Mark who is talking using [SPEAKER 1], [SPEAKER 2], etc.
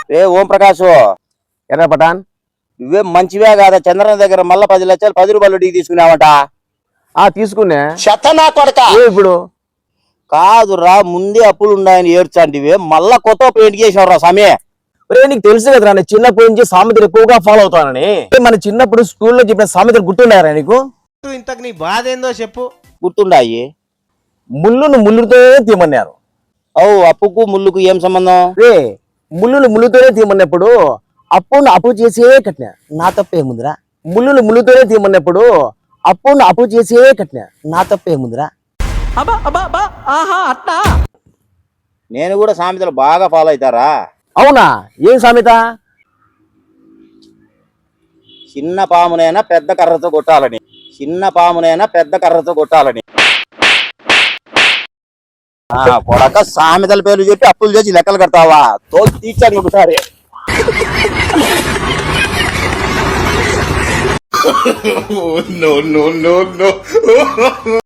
[SPEAKER 1] ఏ ఓం ప్రకాశ్
[SPEAKER 2] ఎర్ర పటాన్
[SPEAKER 1] నువ్వే మంచివే కాదా చంద్రన దగ్గర మళ్ళా 10 లక్షలు 10 రూపాయలు వడ్డీకి తీసుకున్నావంట.
[SPEAKER 2] తీసుకున్నా
[SPEAKER 1] నా కొడక
[SPEAKER 2] ఇప్పుడు
[SPEAKER 1] కాదురా, ముందే అప్పులు ఉన్నాయని ఏడ్చాంటివే, మళ్ళా కొత్త పెయింట్ చేసావురా సమయ.
[SPEAKER 2] నీకు తెలుసు కదరా నేను చిన్నప్పటి నుంచి సామెతలు ఎక్కువగా ఫాలో అవుతానని. మన చిన్నప్పుడు స్కూల్లో చెప్పిన సామెతలు గుర్తుండారా నీకు?
[SPEAKER 3] ఇంతకు నీ బాధ ఏందో చెప్పు.
[SPEAKER 1] గుర్తుండాయి.
[SPEAKER 2] ముళ్ళును ముళ్ళుతో తీయమన్నారు.
[SPEAKER 1] అప్పుకు ముళ్ళుకు ఏం సంబంధం?
[SPEAKER 2] ముళ్ళును ముళ్ళుతోనే తీయమన్నప్పుడు అప్పును అప్పు చేసే కట్టినా నా తప్పేముందిరా. ముళ్ళును ముళ్ళుతోనే తీయమన్నప్పుడు అప్పును అప్పు చేసే కట్టినా నా తప్పేముందిరా.
[SPEAKER 1] నేను కూడా సామెతలు బాగా ఫాలో అవుతారా?
[SPEAKER 2] అవునా? ఏం సామెత?
[SPEAKER 1] చిన్న పామునైనా పెద్ద కర్రతో కొట్టాలని, చిన్న పామునైనా పెద్ద కర్రతో కొట్టాలని. కొడక సామెతల పేర్లు చెప్పి అప్పులు చేసి లెక్కలు కడతావా? తో తీర్చాను ఒకసారి.
[SPEAKER 4] no.